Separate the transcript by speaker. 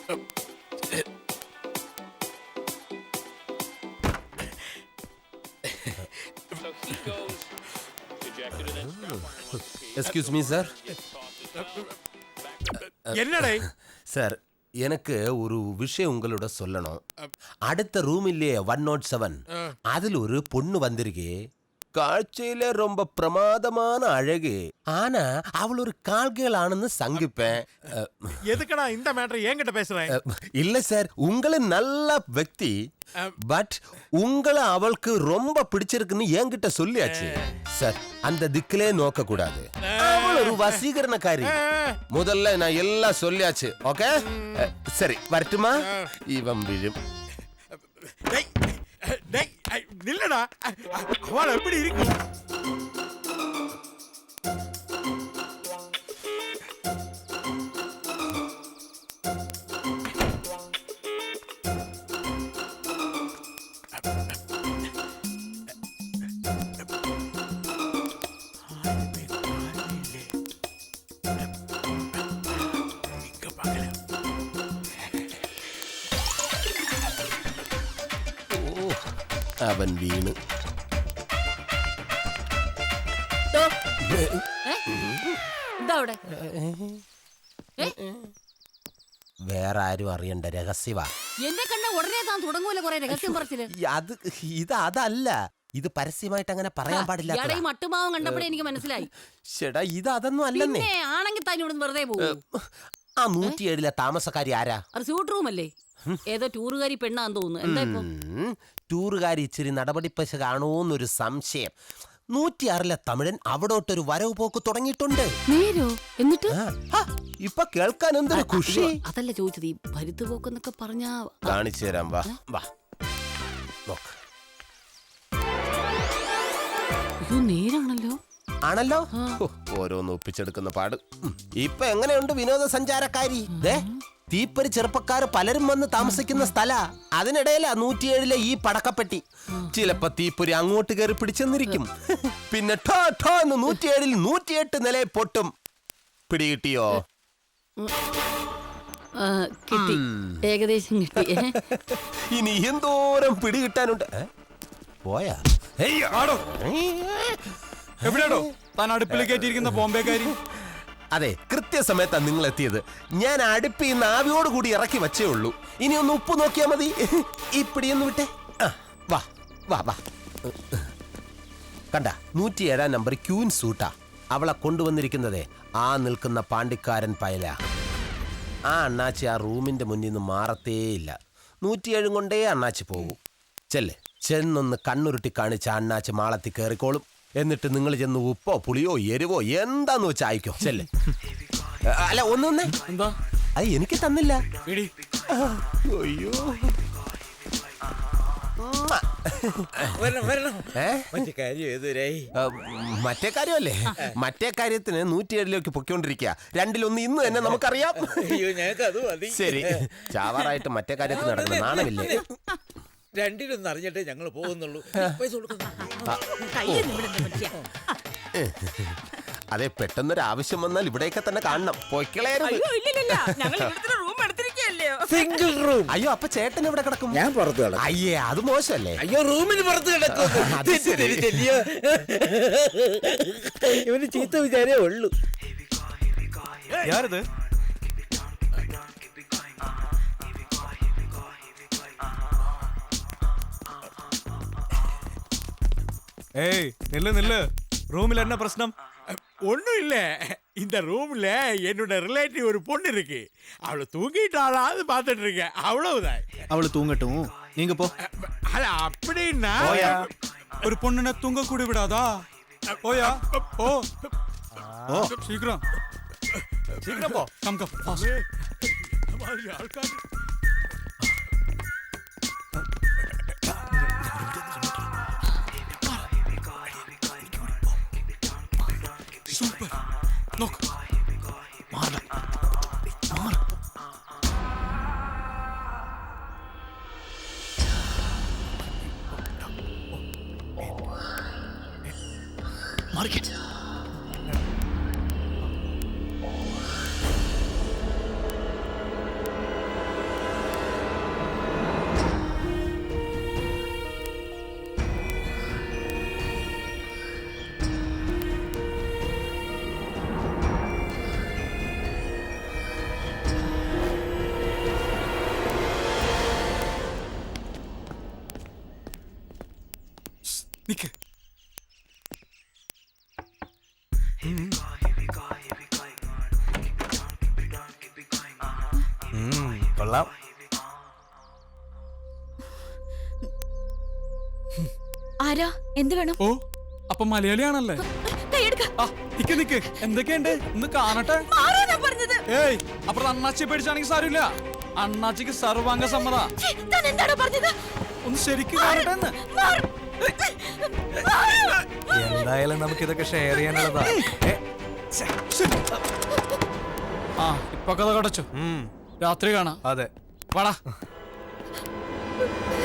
Speaker 1: Excuse me sir.
Speaker 2: என்னடே
Speaker 1: sir, எனக்கு ஒரு விஷயம் உங்களோட சொல்லணும். அடுத்த ரூம் இல்லையே 107, அதுல ஒரு பொண்ணு வந்திருக்கு. காட்சியில ரொம்ப பிரமாதமான அழகு. ஆனா அவள் ஒரு கால்கள் ஆனன்னு சங்கிப்பேன்.
Speaker 2: எதுக்கடா இந்த மேட்டர் என்கிட்ட பேசுறேன்?
Speaker 1: இல்ல சார், உங்களை நல்ல వ్యక్తి, பட் உங்களை அவளுக்கு ரொம்ப பிடிச்சிருக்குன்னு என்கிட்ட சொல்லியாச்சு சார். அந்த திக்கிலே நோக்க கூடாது. அவள் ஒரு வசீகரணக்காரி. முதல்ல நான் எல்லாம் சொல்லியாச்சு. ஓகே சரி, வரட்டுமா? இவன் விழும்.
Speaker 2: நில்லடா, அவள் எப்படி இருக்கு?
Speaker 1: അവൻ വീണ്. വേറെ ആരും അറിയണ്ട, രഹസ്യവാ.
Speaker 3: എന്നെ കണ്ട ഉടനെ താൻ തുടങ്ങൂല കുറെ രഹസ്യം പറച്ചില്.
Speaker 1: അതല്ല, ഇത് പരസ്യമായിട്ട് അങ്ങനെ പറയാൻ പാടില്ല.
Speaker 3: മട്ടുമാവൻ കണ്ടപ്പോഴേ എനിക്ക് മനസ്സിലായി.
Speaker 1: ചേട്ടാ, ഇത് അതൊന്നും അല്ലെന്നേ.
Speaker 3: ആണെങ്കിൽ തന്നെ ഇവിടെ വെറുതെ പോകും.
Speaker 1: ആ 107 താമസക്കാരി ആരാ?
Speaker 3: റിസോർട്ട് റൂം അല്ലേ? ഏതോ ടൂറുകാരി പെണ്ണാന്ന് തോന്നുന്നു. എന്താ ഇപ്പൊ?
Speaker 1: ടൂറുകാരി ഇച്ചിരി നടപടിപ്പശ കാണൂന്നൊരു സംശയം. 106 തമിഴൻ അവിടോട്ടൊരു വരവ് പോക്ക് തുടങ്ങിയിട്ടുണ്ട്.
Speaker 3: നേരോ? എന്നിട്ട്
Speaker 1: ഇപ്പൊ കേൾക്കാൻ എന്തൊരു ഖുഷി.
Speaker 3: അതല്ല ചോദിച്ചത്, ഈ ഭരുത്ത് പോക്കെന്നൊക്കെ പറഞ്ഞാ
Speaker 1: കാണിച്ചു തരാം. വാ വാ നോക്ക്.
Speaker 3: അയ്യോ, നേരാണല്ലോ.
Speaker 1: ആണല്ലോ, ഓരോന്ന് ഒപ്പിച്ചെടുക്കുന്ന പാട്. ഇപ്പൊ എങ്ങനെയുണ്ട് വിനോദസഞ്ചാരക്കാരി? തീപ്പരി ചെറുപ്പക്കാർ പലരും വന്ന് താമസിക്കുന്ന സ്ഥല. അതിനിടയിലാ 107 ഈ പടക്കപ്പെട്ടി. ചിലപ്പോ തീപ്പൊരി അങ്ങോട്ട് കയറി പിടിച്ചെന്നിരിക്കും. പിന്നെ 107 108 നിലയെ പൊട്ടും. പിടികിട്ടിയോ?
Speaker 3: കിട്ടി, ഏകദേശം കിട്ടി.
Speaker 1: ഇനി എന്തോരം പിടികിട്ടാനുണ്ട്. പോയാ
Speaker 2: എവിടെയാണോ താൻ അടുപ്പിൽ കയറ്റിയിരിക്കുന്ന ബോംബെക്കാരി?
Speaker 1: അതെ, കൃത്യസമയത്താണ് നിങ്ങൾ എത്തിയത്. ഞാൻ അടുപ്പിൽ നിന്ന് ആവിയോട് കൂടി ഇറക്കി വച്ചേ ഉള്ളൂ. ഇനി ഒന്ന് ഉപ്പ് നോക്കിയാ മതി. ഈ പിടിയൊന്ന് വിട്ടെ. വാ വാ വാ. കണ്ട, 107 നമ്പർ ക്യൂൻ സൂട്ടാ. അവളെ കൊണ്ടുവന്നിരിക്കുന്നതേ ആ നിൽക്കുന്ന പാണ്ടിക്കാരൻ പയല. ആ അണ്ണാച്ചി ആ റൂമിന്റെ മുന്നിൽ നിന്ന് മാറത്തേയില്ല. 107 കൊണ്ടേ അണ്ണാച്ചി പോകും. ചെന്നൊന്ന് കണ്ണുരുട്ടി കാണിച്ച അണ്ണാച്ചി മാളത്തിൽ കയറിക്കോളും. എന്നിട്ട് നിങ്ങൾ ചെന്ന് ഉപ്പോ പുളിയോ എരിവോ എന്താന്ന് വെച്ചാ അയക്കോ. അല്ല, ഒന്നൊന്നേ,
Speaker 2: എന്താ
Speaker 1: അത് എനിക്ക് തന്നില്ല. അയ്യോ, മറ്റേ കാര്യമല്ലേ? മറ്റേ കാര്യത്തിന് 107 പൊയ്ക്കൊണ്ടിരിക്കുക. രണ്ടിലൊന്ന് ഇന്ന് തന്നെ നമുക്കറിയാം. ശരി, ചാവാറായിട്ട് മറ്റേ കാര്യത്തിന് നടക്കണം. നാണമില്ലേ?
Speaker 4: രണ്ടിലൊന്നും അറിഞ്ഞിട്ടേ ഞങ്ങൾ പോകുന്നുള്ളൂ.
Speaker 1: അതെ, പെട്ടെന്നൊരു ആവശ്യം വന്നാൽ ഇവിടെയൊക്കെ തന്നെ കാണണം.
Speaker 4: Single room.
Speaker 1: അയ്യോ, അപ്പൊ ചേട്ടൻ എവിടെ കിടക്കും?
Speaker 4: ഞാൻ പുറത്ത് കിടക്കും.
Speaker 1: അയ്യേ, അത് മോശമല്ലേ?
Speaker 4: അയ്യോ, റൂമിന് പുറത്ത് കിടക്കും. ഇവന് ചീത്ത വിചാരേ ഉള്ളൂ.
Speaker 2: யாரது? ஏய், நில்லு நில்லு. ரூம்ல என்ன பிரச்சனை? ஒண்ணும் இல்ல. இந்த ரூம்ல என்னோட ரிலேட்டிவ் ஒரு பொண்ணு இருக்கு. அவளை தூங்கிட்டாளான்னு பாத்துட்டு இருக்கேன். அவ்வளவுதான்.
Speaker 5: அவளை தூங்கட்டும், நீங்க போ.
Speaker 2: அட, அப்படின்னா
Speaker 5: ஒரு பொண்ணுன தூங்க கூட விடாதா? போயா, போ. ஓ, சீக்கிரம்
Speaker 2: சீக்கிரம் போ.
Speaker 5: Come come fast.
Speaker 2: ஆள்கார்
Speaker 5: சூப்பர். നോക്ക്. മാറ് മാറിക്കേ.
Speaker 6: കൊള്ളാം.
Speaker 7: ആരാ? എന്ത് വേണം?
Speaker 5: ഓ അപ്പൊ മലയാളിയാണല്ലേ? ആ, നിക്ക് എന്തൊക്കെയുണ്ട് ഒന്ന് കാണട്ടെ. ഏയ് അപ്പുറത്ത് അണ്ണാച്ചിയെ പേടിച്ചാണെങ്കിൽ സാരമില്ല. അണ്ണാച്ചിക്ക് സർവാംഗ സമ്മത. ഒന്ന് ശരിക്കും കാണട്ടെ എന്ന്.
Speaker 6: എന്തായാലും നമുക്ക് ഇതൊക്കെ ഷെയർ ചെയ്യാനുള്ളതാ.
Speaker 5: ആ ഇപ്പൊ കഥ കടച്ചു. രാത്രി കാണാം.
Speaker 6: അതെ.
Speaker 5: വാടാ.